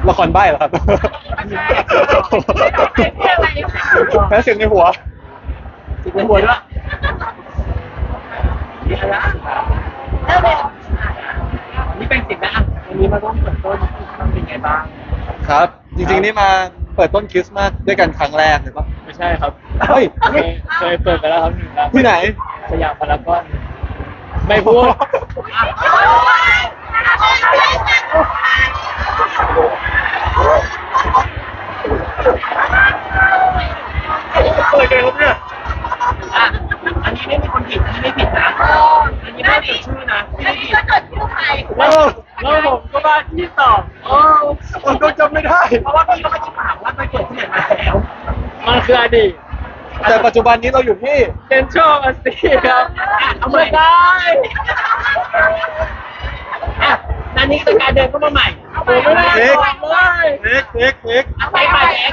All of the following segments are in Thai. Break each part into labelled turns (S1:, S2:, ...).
S1: ละครใบ้เหรอครับแพ้เสียงในหัว
S2: ติดในหัวด้วยนี่อะไรนี่เป็นสิบนะวันนี้มาร่วมเปิดต้นมันเป็นไงบ้าง
S1: ครับ จริงๆนี่มาเปิดต้นคริสต์มาสด้วยกันครั้งแรกเลยปะ
S3: ไม่ใช่ครับ
S1: เฮ้ย
S3: เคยเปิดไปแล้วครับหนึ่งครับ
S1: ที่ไหน
S3: สยามพารากอนไม่พูด
S1: อะไรกันครับเนี่ย
S2: อันนี้ไม่มีคนผิดอันนี้ไม่ผิดนะอันนี้ไม่ผิดชื่อนะที่ไม่ผิด
S3: แล้วผมก็บ้าที่ตอบ
S1: มันก็จำไม่ได้
S2: เพราะว่าพี่ก็ไม่ได้ถามว่าไปเกิดที่ไหนมาแล้ว
S3: มันคืออดีต
S1: แต่ปัจจุบันนี้เราอยู่ที่
S3: เซนทรัลมาซีครับ
S2: เอาไม่ได้อันนี้คือการเดินเข้ามาใหม่
S3: ผมไม่ได้บอกเลย
S1: เล็ก
S2: เอาไปใหม่เอง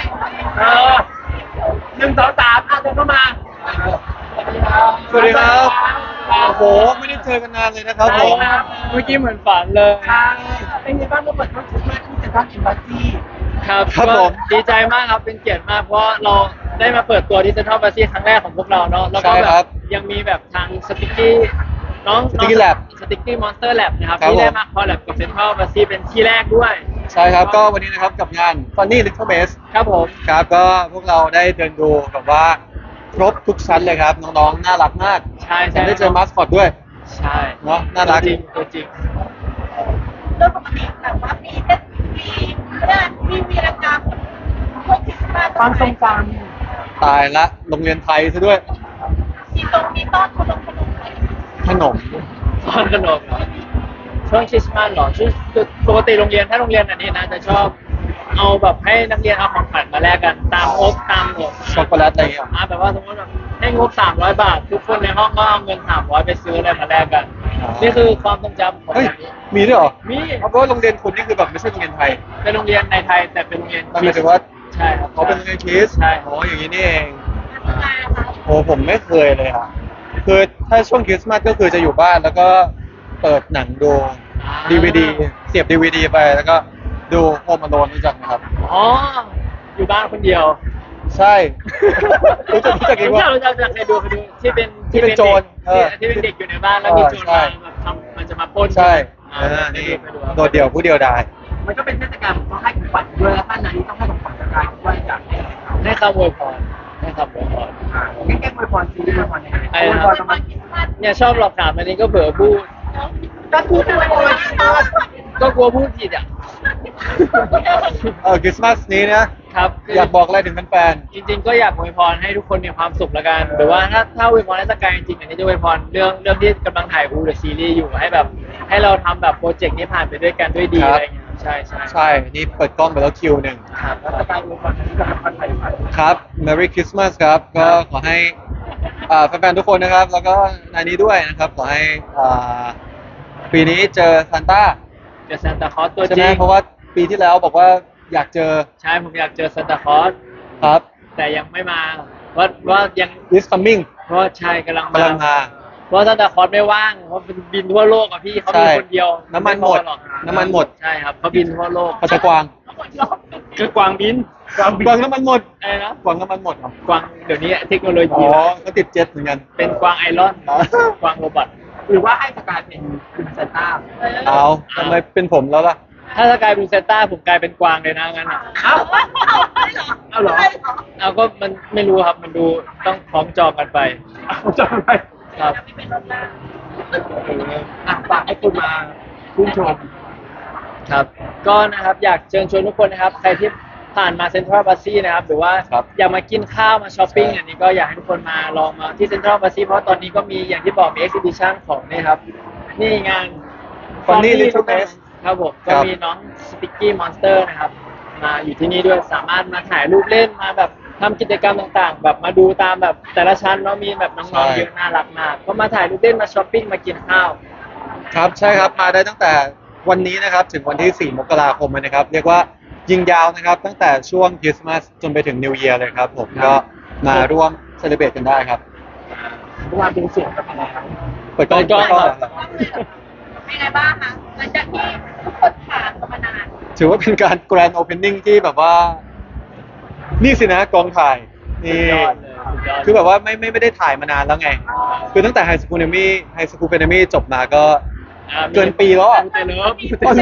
S2: 1 2 3เดินเข้ามา
S1: สวัสดีครับ โอ้โห ไม่ได้เจอกันนานเลยนะครับผม
S3: เมื่อกี้เหมือนฝันเลย
S2: เป็นไงบ้างเมื่อเปิดต้นคริสต์มาสที่เซ็นทรัลอิมบาซี
S3: ครับ
S1: ครับ
S3: ก็
S1: ผม
S3: ดีใจมากครับเป็นเกียรติมากเพราะเราได้มาเปิดตัวที่เซ็นทรัลบาซีครั้งแรกของพวกเราเนาะแล้วก็
S1: ใช่
S3: แบ
S1: ครับ
S3: บยังมีแบบทางสติ๊กกี้น้อง
S1: Sticky Lab
S3: สติ๊กกี้มอนสเตอร์แลบนะครับ
S1: ครับ
S3: ที่ได้
S1: ผม
S3: มาคอลแลบกับเซ็นทรัลบาซีเป็นที่แรกด้วย
S1: ใช่ครับ ก็วันนี้นะครับกับงาน Funny Little Mess
S3: ครับผม
S1: ครับ ก็พวกเราได้เดินดูแบบว่าครบทุกชั้นเลยครับ น้องๆ น่ารักมาก
S3: ใช่
S1: ผมได้เจอมาสคอตด้วย
S3: ใช่
S1: เนาะน่ารัก
S3: จริงตัวจริง
S4: โดยปกติแบบว่ามีเทศมีวีรกรรมพวกคริสต์มาส
S2: ความทรงจ
S1: ตายละ โรงเรียนไทยซะด้วย
S4: มีต้อนขนมอะไร
S1: ขนม
S3: ตอนขนมเหรอช่วงคริสต์มาสเหรอช่วงปกติโรงเรียนถ้าโรงเรียนอันนี้นะจะชอบเอาแบบให้นักเรียนเอาของขวัญมาแลกกันตามงบตามหมด
S1: ช็อกโกแลตอะไรอย่างเงี้ย
S3: แบบว่าสมมติแบบให้งบ300 บาท ทุกคนในห้องก็เอาเงิน300ไปซื้ออะไรมาแลกกัน
S1: อ๋อ
S3: นี่คือความทรงจำของ
S1: เฮ้ย
S3: แบบนี้
S1: มีด้วยเหรอ
S3: มี
S1: เพราะว่าโรงเรียนคุณนี่คือแบบไม่ใช่โรงเรียนไทย
S3: เป็นโรงเรียนในไทยแต่เป็นโรงเรียน
S1: มันหมายถึงว่า
S3: ใช่ครับ
S1: เขาเป็นโรงเรียนคริสต์
S3: ใช่
S1: อ๋ออย่างนี้นี่เอง
S4: งานค่ะ
S1: โอ้ผมไม่เคยเลยอ่ะ คือถ้าช่วงคริสต์มาสก็คือจะอยู่บ้านแล้วก็เปิดหนังดู DVD เสียบ DVD ไปแล้วก็ดูโฮมอโลนรู้จักไหมครับ
S3: อ๋ออยู่บ้านคนเดียว
S1: ใช่ รู้จักอีกว่า
S3: รู้จักเคยดูที่เป็น
S1: ที่เป็นโจร
S3: ที่เป็นเด็กอยู่ในบ้านแล้วมีโจร
S1: ใช่
S3: มาแบบทำมันจะมาปล้น
S1: ใช่
S3: อ่า
S1: นี่
S3: ไปดู
S1: โดดเดี่ยวผู้เดียวดาย
S2: ำมันก็เป็นเทศกาลต้องให้ของขวัญด้วยแล้วท่านนั้นต้องให้ของขวัญกับการว่าอยากให้อะไรเขา
S3: ให้คำอวยพรให้คำอวยพร
S2: แก้อวยพรซีรีส์อวยพรยังไง
S3: ไอ้
S2: อวย
S3: นะ
S2: พ
S3: ค
S2: ร
S3: รับ
S2: ประมาณ
S4: คริสต์มาส
S3: เนี่ยชอบหลอกถามอันนี้ก็เบื่อพูด
S2: ก็พูดอวยพร
S3: ก็กลัวพูดผิดอ่ะ
S1: คริสต์มาสนี้นะ
S3: ครับ
S1: อยากบอกอะไรถึงแฟน
S3: จริงๆก็อยากอวยพรให้ทุกคนมีความสุขละกันหรือว่าถ้าอวยพรให้สกายจริงๆอันนี้จะอวยพรเรื่องที่กำลังถ่ายเดอะซีรีส์อยู่ให้แบบให้เราทำแบบโปรเจกต์นี้ผ่านไปด้วยกันด้วยดีอะไรอย่างเงี้ยใช่ใช่
S1: ๆใช่ นี่เปิดกล้องไปแล้วคิวหนึ่ง
S3: ครับ
S2: แล้วสกายอวยพรที่กับคนไทยผ่าน
S1: ครับ Merry Christmas ครับ ก็ขอให้แฟนๆทุกคนนะครับ แล้วก็ในนี้ด้วยนะครับ ขอให้ปีนี้เจอซานต้า
S3: เจอซานตาคลอสตัว
S1: ใช่
S3: จ
S1: ไหม
S3: ริง
S1: เพราะว่าปีที่แล้วบอกว่าอยากเจอ
S3: ใช่ผมอยากเจอซานตาคลอส
S1: ครับ
S3: แต่ยังไม่มาว่ายัง
S1: is coming
S3: เพราะว่าชายกำลัง
S1: กำลังมา
S3: เพราะซานตาคลอสไม่ว่างเพราะเป็นบินทั่วโลกอะพี่เขามี
S1: ใช่
S3: คนเดียว
S1: น้ำมันหมด
S3: ไพอรอก
S1: น้ำมันหมด
S3: ใช่ครับเขาบินทั่วโลก
S1: เขาจะกวาง
S3: คือกวางบิน
S1: กวางน้ำมันหมด
S3: อะไรนะ
S1: กวางน้ำมันหมดเหรอก
S3: วางเดี๋ยวนี้เทคโนโล
S1: อ๋
S3: ยี
S1: อ
S3: แล้ว
S1: ก็ติดเจ็ตเหมือนกัน
S3: เป็นกวางไอรอน
S1: อ๋อ
S3: กวางโรบอท
S2: หรือว่าให้สกายเป็นคุณซานต้า
S1: เอาทำไมเป็นผมแล้วล่ะ
S3: ถ้าสกายเป็นเซนต้าผมกลายเป็นกวางเลยนะงั้นอะ
S2: เอ้า
S4: เอาเหรอ
S3: เอาก็มันไม่รู้ครับมันดูต้องพร้อมจองกันไป
S2: เอาจำไป
S3: ครับ
S4: ไม่เป็นรถน้
S2: ฝากให้คุณมาชื่นชม
S3: ครับก็นะครับอยากเชิญชวนทุกคนนะครับใครที่ผ่านมาเซ็นทรัลบาซีนะครับหรือว่า
S1: ครับ
S3: อยากมากินข้าวมาช้อปปิ้ง
S1: ใช่
S3: อันนี้ก็อยากให้ทุกคนมาลองมาที่เซ็นทรัลบาซีเพราะตอนนี้ก็มีอย่างที่บอกมีเอ็กซิบิชันของนี่ครับนี่งาน
S1: Funny Little Mess
S3: ครับผม
S1: ครั
S3: ก็
S1: บ
S3: มีน้องสติกกี้มอนสเตอร์นะครับมาอยู่ที่นี่ด้วยสามารถมาถ่ายรูปเล่นมาแบบทำกิจกรรมต่างๆ แบบมาดูตามแบบแต่ละชั้นเนาะมีแบบน้องๆเยอะน่ารักมากก็มาถ่ายรูปเล่นมาช้อปปิ้งมากินข้าว
S1: ครับใช่ครับมาได้ตั้งแต่วันนี้นะครับถึงวันที่ 4 มกราคมเลยนะครับ เรียกว่ายิงยาวนะครับ ตั้งแต่ช่วงคริสต์มาสจนไปถึงนิว e ย r เลยครับผม
S3: ครับ
S1: ก็มาร่วมเซเลบรตกันได้ครับ
S2: เมื่อวานเป็นเสียงกับอะไรครับ
S1: เปิดกล้อง
S3: เปิดกล้อง
S1: เหรอ
S4: ำเป็นไงบ้างคะหลังจากที่ทุกคนผ่านมานาน
S1: ถือว่าเป็นการแกรนด์โอเพนนิ่งที่แบบว่า นี่สินะกองถ่ายนี่
S3: สุดยอดเลยสุดยอด
S1: คือแบบว่าไม่ได้ถ่ายมานานแล้วไง คือตั้งแต่ไฮสคูลเนมี่จบมาก็ เกินปีแล้วอะ
S3: มูเตเลิฟ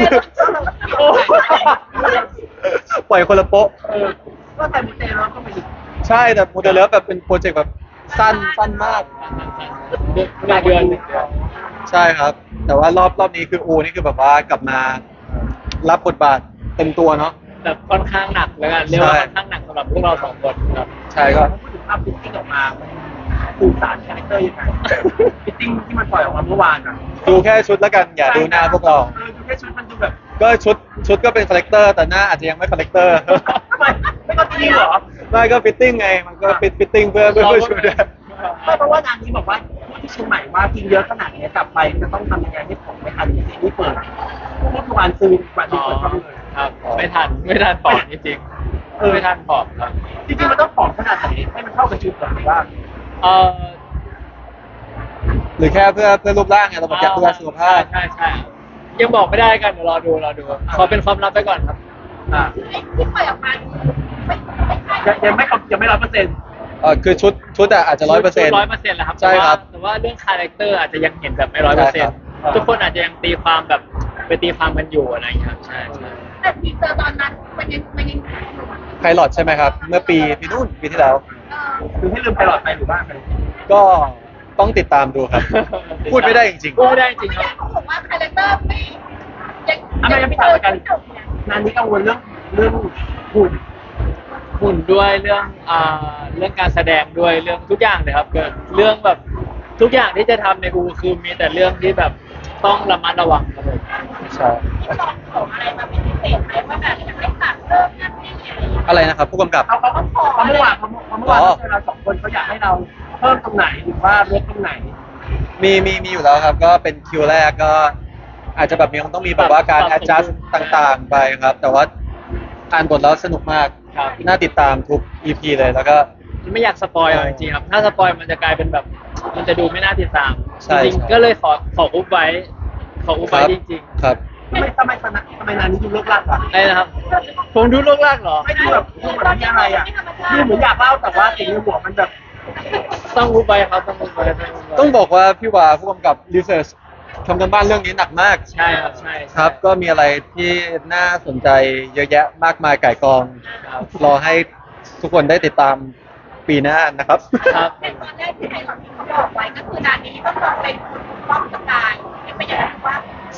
S1: ปล่อยคนละโป๊ะ
S2: ก็แต่มูเตลูก็ไปอีก
S1: ใช่แต่โมเดลเลฟแบบเป็นโปรเจกต์แบบสั้นมาก
S3: 1 เดือน
S1: ใช่ครับ แต่ว่ารอบนี้คืออูนี่คือแบบว่ากลับมารับบทบาทเต็มตัวเนาะ
S3: แบบค่อนข้างหนักแล้วกันเรียกว่า
S1: ใช่
S3: ค่อนข้างหนักสำหรับพวกเรา2 คนครับ
S1: ใช่ก็
S2: พูดถึงภาพฟิตติ้งออกมาสื่อสารคาแรคเตอร์ยังไงฟิตติ้งที่มันปล่อยออกมาเมื่อวานอ่ะ
S1: ดูแค่ชุดแล้วกันอย่าดูหน้าพวกเรา
S2: ดูแค่ชุดมันดูแบบ
S1: ก็ชุดก็เป็นคาแรคเตอร์แต่หน้าอาจจะยังไม่คาแรคเตอร์
S2: ไม่ก็จริงเหรอ
S1: ไม่ก็ฟิตติ้งไงมันก็ฟิตติ้งเพื่อชุดอะ
S2: ไม่เพราะว่านางนี้บอกว่าพูดที่เชียงใหม่ว่ากินเยอะขนาดนี้กลับไปจะต้องทำยังไงให้ผมไม่ทันซีรีส์เปิดเมื่อวานซื้อวันที่เปิดก็เลย
S3: ครับไม่ทันปอบจริงๆไม่ทันปอบครับ
S2: จริงๆมันต้องผอมขนาดไหนให้มันเข้ากับชุดก่อนหรือว่า
S3: เออ
S1: หรือแค่เพื่อรูปร่างไงเราบอกอยากดูแลสุขภาพ
S3: ใช่ยังบอกไม่ได้กันเดี๋ยวรอดูขอเป็นความลับไปก่อนครับ
S2: อ่า
S4: ที่ปล่อยออกมาไม่ใช่
S2: ยังไม่100%
S1: คือชุดอะอาจจะ100%
S3: 100%แล้วครับ
S1: ใช่ครับ
S3: แต่ว่าเรื่องคาแรคเตอร์อาจจะยังเห็นแบบไม่
S1: ใช่ครับ
S3: 100%ทุกคนอาจจะยังตีความแบบไปตีความกันอยู่อะไรอย่างเงี้ยครับใช่
S4: แต่ทีเซอร์ตอนนั้นมันยัง
S1: ไพลอตใช่ไหมครับ เมื่อปีนู่นปีที่แล้ว
S2: คือให้ลืมไปหลอดไปหรือว่าไป
S1: ก็ต้องติดตามดูครับ พูดไม่ได้จริง
S3: พูดไม่ได้จริงครับ
S4: เขาบอกว่าคาแรคเตอร์ไม่ยัง
S2: ไม่ยังพี่ถามกันนานนี้กังวลเรื่องหุ่น
S3: หุ่นด้วยเรื่องการแสดงด้วยเรื่องทุกอย่างเลยครับเกิดเรื่องแบบทุกอย่างที่จะทำในอูคือมีแต่เรื่องที่แบบต้องระมัดระวังครับผม
S1: ๆ ใช่
S4: ที่ลองของอะไรมาเป็นพิเศษไหมว่าแบบอยากให้ตัดเพิ่มนั่นนี่อะไรอย่างเงี้ย
S1: อะไรนะครับ ผู้กำกับ
S2: เขาเมื่อวานเราสองคนเขาอยากให้เราเพิ่มตรงไหนหรือว่าลดตรงไหน
S1: มีอยู่แล้วครับ ก็เป็นคิวแรกก็ อาจจะแบบต้องมีแบบว่าการ adjust ต่างๆ ไปครับ แต่ว่าอ่านบทแล้วสนุกมาก
S3: ครับ
S1: น่าติดตามทุก EP เลยแล้วก็
S3: ไม่อยากสปอยจริงๆครับถ้าสปอยมันจะกลายเป็นแบบมันจะดูไม่น่าติดตาม
S1: ใช่
S3: จริง
S1: ใช่
S3: ๆก็เลยขออุบไว้จริง
S1: ครับ
S2: ทำไมนานนี้ดูเลิกลากอ่ะ
S3: ๆได้นะครับ ผมดูโลกลากเหรอ
S2: ไม่ดูแบบดูเหมือนมีอะไรอ่ะดูเหมือนอยากเล่าแต่ว่าสิ่งในหัวมันแบบ
S3: ต้องอุบไว้ครับต้องอุบไว้
S1: ต้องบอกว่าพี่วาผู้กำกับ research ทำกันบ้านเรื่องนี้หนักมาก
S3: ใช่ครับใช่
S1: ครับ ก็มีอะไรที่น่าสนใจเยอะแยะมากมายก่ายกอง
S3: ครับ
S1: รอให้ทุกคนได้ติดตามปีหน้านะครับ
S3: ครับ
S4: แต่ตอนแรกที่ไทยเราที่เขาบอกไว้ก็คือด่านนี้ต้องลองเป็นป้องสกายยังไม่อยากว่าร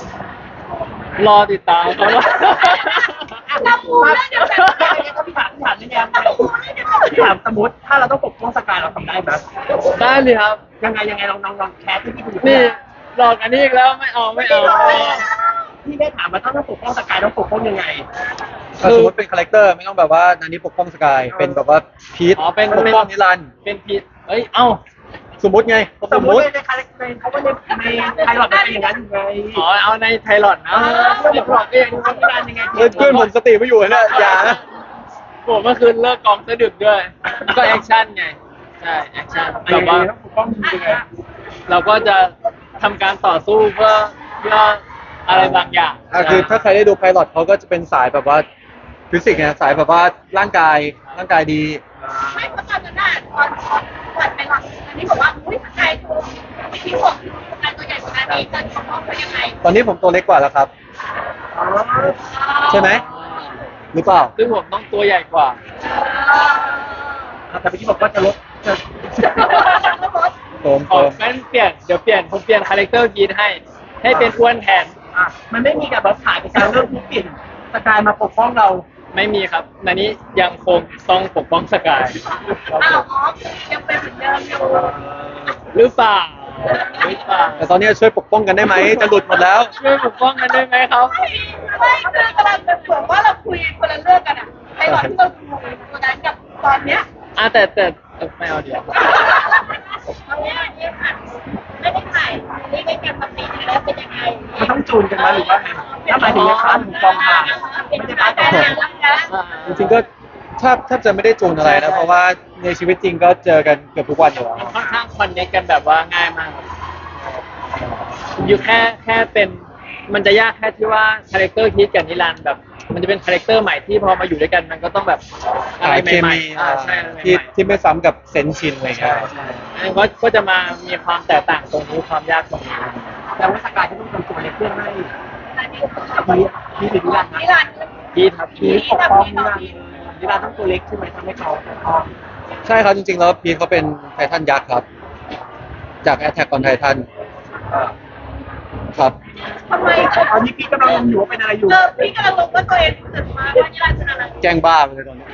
S3: อติดตามครับว่า
S4: เราพูดเรื่องเดียวกัน
S2: ถ้าพี่ถามนี่ยังพี่ถามสมมติถ้าเราต้องปกป้องสกายเราทำได้ไหม
S3: ได้เลยครับ
S2: ยังไงลองแคสที่พี่ดู
S3: นี่หลอกอันนี้อีกแล้วไม่เอา
S2: พี่ได้ถามว่าถ้าต้องปกป้องสกายต้องปกป้องยังไง
S1: ถ้าสมมติเป็นคาแรคเตอร์ไม่ต้องแบบว่านันนี้ปกป้องสกาย เป็นแบบว่าพีท
S3: อ๋อเป็น
S1: ปกป้องนิรันดร์
S3: เป็นผิดเอ้ยเอ้า
S1: สมมติไง
S2: สมมติในคาแรคเตอร์เขาว่าในไทยหลอดมันเป็นอย่างนั้นอยู่ไง
S3: อ๋อเอาในไทรอดนะไทรอดก็ยัง
S2: เขาพิการยังไง
S1: เพื่อนผมสติไม่อยู่นะอย่านะ
S3: ผมเมื่อคืนเลิกกองซะดึกด้วย ก็แอคชั่นไงใช่แอคชั่น
S2: แบ
S3: แบบ บ
S2: ว่า
S3: ว่า
S2: ต้องปกป้องยังไง
S3: เราก็จะทำการต่อสู้เพื่ออะไรบางอย่าง
S1: คือถ้าใครได้ดูไพลอตเขาก็จะเป็นสายแบบว่าฟิสิกส์ไงสายแบบว่าร่างกายดี
S4: ไม่เพราะตอนนั้นตอนไปหลังอันนี้บอกว่าอุ้ยสกายถูกที่ผมสกายตัวใหญ่กว่านี้จะปกป้องเขายังไง
S1: ตอนนี้ผมตัวเล็กกว่าแล้วครับ ใช่ไหม หรือเปล่า
S3: ซึ่งผมต้องตัวใหญ่กว่า
S2: แต่เมื่อกี้บอกว่าจะลดจะ
S1: โตม
S3: ของั้นผมเปลี่ยนคาแรคเตอร์กีนให้เป็นอ้วนแทน
S2: มันไม่มีกับแบบถ่ายไปการเรื่องที่เปลี่ยนสกายมาปกป้องเรา
S3: ไม่มีครับนันนี้ยังคงต้องปกป้องสกายครับ
S4: อ้า
S3: ผ
S4: ว
S3: ม
S4: ยังเป็นเหมือนเดิมอยู่
S3: หรือเปล่าหรือเปล่า
S1: แต่ตอนนี้ช่วยปกป้องกันได้ไหมจะหลุดหมดแล้ว
S3: ช่วยปกป้องกันได้ไหมครับ
S4: ไม่คือกำลังเป็นเหมือนว่าเราคุยคนละเรื่องกันอ่ะไอ้ตอนที่เราดูตัวนั้นกับตอนเนี้ย
S3: แต่ไม่เอาเดี๋ยว
S4: ตอนเนี้ยเนี่ยค่ะไม่ได้ถ่ายนี่ไม่กันปกติแล้วเป็นยังไง
S2: มันต้องจูนกันมาหรือว่าไงถ้าหมายถึงในพาร์ทของกองถ่าย
S4: เป็น
S2: ไม่
S4: กา
S2: ใช่
S4: ร
S2: พาร์ท
S4: แต่
S2: ของ
S4: งงานรักกัน
S1: จริงๆก็แทบจะไม่ได้จูนอะไรนะ เพราะว่าในชีวิตจริงก็เจอกันเกือบทุกวันอยู่แล้ว
S3: ค่อนข้างคอนเนคกันแบบว่าง่ายมากอยู่แค่เป็นมันจะยากแค่ที่ว่าคาแรคเตอร์คิดกับนิรันดร์แบบมันจะเป็นคาแรคเตอร์ใหม่ที่พอมาอยู่ด้วยกันมันก็ต้องแบบอะไร
S1: หาเค
S3: ใหม่
S1: มี
S3: ๆใช่อะไรใหม่
S1: ที่ไม่ซ้ำกับเซนส์ชินอะไร
S3: ๆ
S1: เงี้ย
S3: ใช่อันนี้ก็จะมามีความแตกต่างตรงนี้ความยากตรงนี้
S2: แต่ว่าสกายที่ต้องทำตัวเล็กเพื่อให้
S4: อันนี้
S2: มีถึงนิรันดร์นะ
S4: นิรันดร์
S3: พี่ครับ
S2: มีปกป้องนิรันดร์ต้องตัวเล็กใช่ไหมทำให้เขาปกป้อง
S1: ใช่ครับจริงๆแล้วพีทเขาเป็นไททันยักษ์ครับ จาก Attack on Titan ครับ
S4: ทำไม
S2: ตอนนี้พี่กำลังงงอยู่ว่าเป็นอะไรอยู่
S4: พี่กำลังรู้ว่าตัวเองรู้สึกว่านิรันดร์เป็นอะไร
S1: แกล้งบ้าไปเลยตอนนี้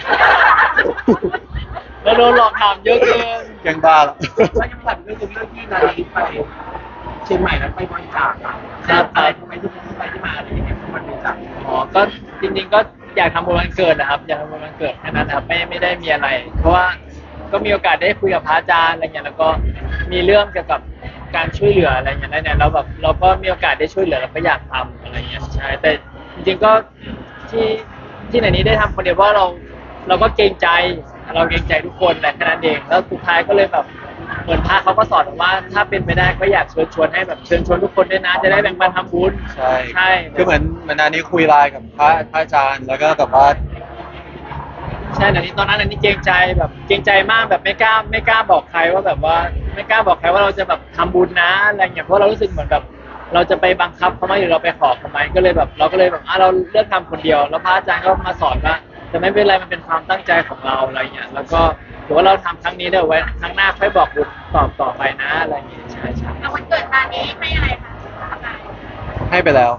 S3: แล้วโดนหลอกถามเยอะเกิน
S1: แกล้งบ้าแล้ว
S2: แล้วยังสั่นเรื่องที่นาลีไปเชียงใหม่แล้วไปบริจาคอะไรทำไมที่ไปที่มาอะไรอย่างเงี้ยมันบริจาค
S3: อ๋อก็จริงๆก็อยากทำบุญวันเกิดนะครับอยากทำบุญวันเกิดแค่นั้นนะครับไม่ได้มีอะไร เพราะว่าก็มีโอกาสได้คุยกับพระอาจารย์อะไรเงี้ยแล้วก็มีเรื่องเกี่ยวกับการช่วยเหลืออะไรเงี้ยเนี่ยแล้วแบบเราก็มีโอกาสได้ช่วยเหลือเราก็อยากทำอะไรเงี้ยใช่แต่จริงๆก็ที่ไหนนี้ได้ทำคนเดียวเพราะเราก็เกรงใจเราเกรงใจทุกคนแหละแค่นั้นเองแล้วสุดท้ายก็เลยแบบเหมือนพระเขาก็สอนว่าถ้าเป็นไปได้ก็อยากเชิญชวนให้แบบเชิญชวนทุกคนด้วยนะจะได้แบ่งปันทำบุญ
S1: ใช่
S3: ใช่
S1: คือเหมือนอันนี้คุยไลน์กับพระอาจารย์แล้วก็แบบว่า
S3: ใช่แต่นี่ตอนนั้นอันนี้เกรงใจแบบเกรงใจมากแบบไม่กล้าบอกใครว่าแบบว่าไม่กล้าบอกใครว่าเราจะแบบทำบุญนะอะไรเงี้ยเพราะเรารู้สึกเหมือนแบบเราจะไปบังคับเขาไหมหรือเราไปขอเขาไหมก็เลยแบบเราก็เลยแบบเราเลือกทำคนเดียวแล้วพระอาจารย์ก็มาสอนว่าแต่ไม่เป็นไรมันเป็นความตั้งใจของเราอะไรเงี้ยแล้วก็ถือว่าเราทำครั้งนี้เดี๋ยวไว้ครั้งหน้าค่อยบอกบุญต่อไปนะอะไรเงี้ยใช่ใช่
S4: เอาวันเกิดมานี้ให้อะไรคะ
S1: ให้ไปแล้ว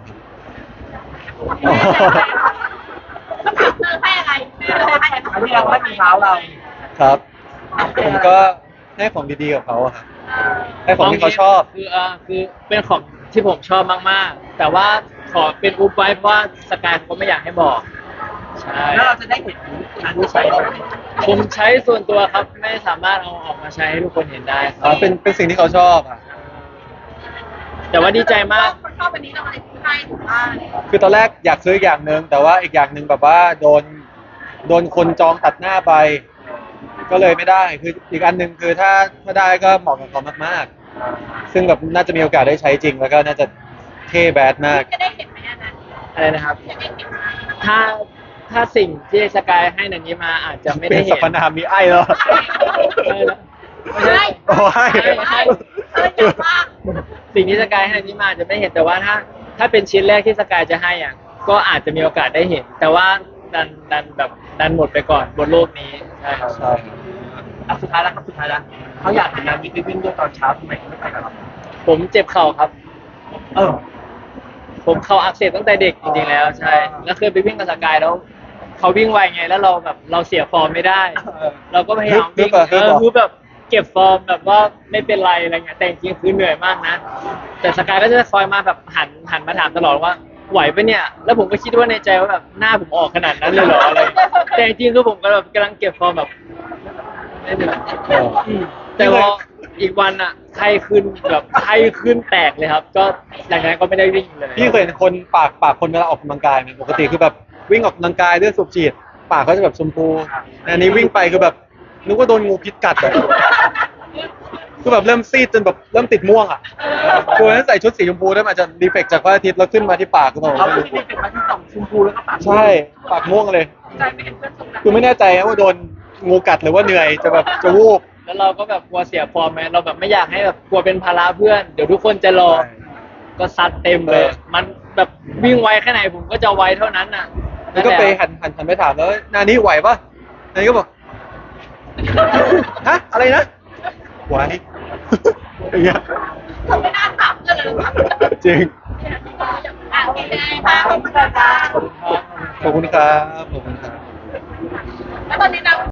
S4: ต้องถามเธอให้อะไรให้อะไร
S2: อันนี้เราไม่มีเท้าเรา
S1: ครับ ผมก็ให้ของดีๆกับเขาอะครับให้ของที่เขาชอบ
S3: คือเป็นของที่ผมชอบมากๆ แต่ว่าขอเป็นอุบไว้เพราะว่าสกายเขาไม่อยากให้บอกใช่
S2: แล้วเราจะได้เห็นอันนี้ใช้ไหม
S3: ผมใช้ส่วนตัวครับไม่สามารถเอาออกมาใช้ให้ทุกคนเห็นได้ค
S1: อ๋
S3: รั
S1: อบเป็นสิ่งที่เขาชอบอ่ะ
S3: แต่ว่าดีใจมาก
S4: คนชอบวันนี้เราอะไรให้ถูกว่า
S1: คือตอนแรกอยากซื้ออีกอย่างหนึ่งแต่ว่าอีกอย่างหนึ่งแบบว่าโดนคนจองตัดหน้าไป ก็เลยไม่ได้คืออีกอันหนึ่งคือถ้าได้ก็เหมาะกับเขามากๆ ซึ่งแบบน่าจะมีโอกาสได้ใช้จริงแล้วก็น่าจะเท่แบดมาก
S4: จะได้เห็นไหมอันนั้น
S3: อะไรนะครับ
S4: จะได้เห็นไหม
S3: ถ้าสิ่งที่สกายให้นันนี้มาอาจจะไม่
S1: เป็
S3: ได้
S1: นสร
S3: เห็น
S1: รพนามมีไอ้แล้ว
S3: ไม่ใช่
S1: โอ้ให้
S3: ให้
S4: เธออยากว่า
S3: สิ่งที่สกายให้นันนี้มาอาจจะไม่เห็นแต่ว่าถ้าเป็นชิ้นแรกที่สกายจะให้อ่ะก็อาจจะมีโอกาสได้เห็น แต่ว่าดันหมดไปก่อนบนโลกนี้ใช่ครับ
S1: ใช่
S2: สุดท้ายแล้วเขาอยากเห็นนาลีไปวิ่งด้วยตอนเช้าทำไมไม่ไปกับเรา
S3: ผมเจ็บเข่าครับ
S2: เออ
S3: ผมเข่าอักเสบตั้งแต่เด็กจริงๆแล้วใช่ แล้วเคยไปวิ่งกับสกายแล้วเขาวิ่งไวไงแล้วเราแบบเราเสียฟอร์มไม่ได้ เราก็พยายามวิ่งคือแบบเก็บฟอร์มแบบว่าไม่เป็นไรอะไรเงี้ยแต่จริงๆคือเหนื่อยมากนะ แต่สกายก็จะคอยมาแบบหันมาถามตลอดว่าไหวปะเนี่ย แล้วผมก็คิดว่าในใจว่าแบบหน้าผมออกขนาดนั้นเลยเหรออะไรแต่จริงๆคือผมก็แบบกำลังเก็บฟอร์มแบบไม่เหนื่อยแต่พออีกวันอะไข้ขึ้นแบบไข้ขึ้นแตกเลยครับ ก็หลังจากนั้นก็ไม่ได้วิ่งเลย
S1: พี่เคยเห็นคนปากคนเวลาออกกำลังกายไหมปกติคือแบบวิ่งออกกำลังกายเลือดสูบฉีดปากเขาจะแบบชมพูอันนี้วิ่งไปคือแบบนึกว่าโดนงูพิษกัดอะคือแบบเริ่มซีดจนแบบเริ่มติดม่วงอ่ะคือวันนั้นใส่ชุดสีชมพูด้วยมันอาจจะดีเฟกต์จากพระอาทิตย์แล้วขึ้นมาที่ปากคือแบบ
S2: เขาไม่ได้เป็นมาที่สองชมพูแล้วก็ปาก
S1: ใช่ปากม่วงเลย
S4: ใจไม่เห็นเพื่อนสงสาร
S1: คือไม่แน่ใจว่าโดนงูกัดหรือว่าเหนื่อยจะแบบจะวูบ
S3: แล้วเราก็แบบกลัวเสียฟอร์มไหมเราแบบไม่อยากให้แบบกลัวเป็นภาระเพื่อน เดี๋ยวทุกคนจะรอ ก็ซัดเต็มเลย มันแบบวิ่งไวแค่ไหนผมก็จะไวเท่านั้นน่ะ
S1: แล้วก็ไปหันไปถามแล้วนานี้ไหวปะนานี้ก็บอกฮะอะไรนะไหวอย่างเงี้ย
S4: เขาไม่น่าถามเลยหรอก
S1: จริง
S4: อ่ะโอเคค่ะขอบคุณค่ะ
S1: ขอบคุณครับขอบคุณครับ
S4: แล้วตอนนี้เรา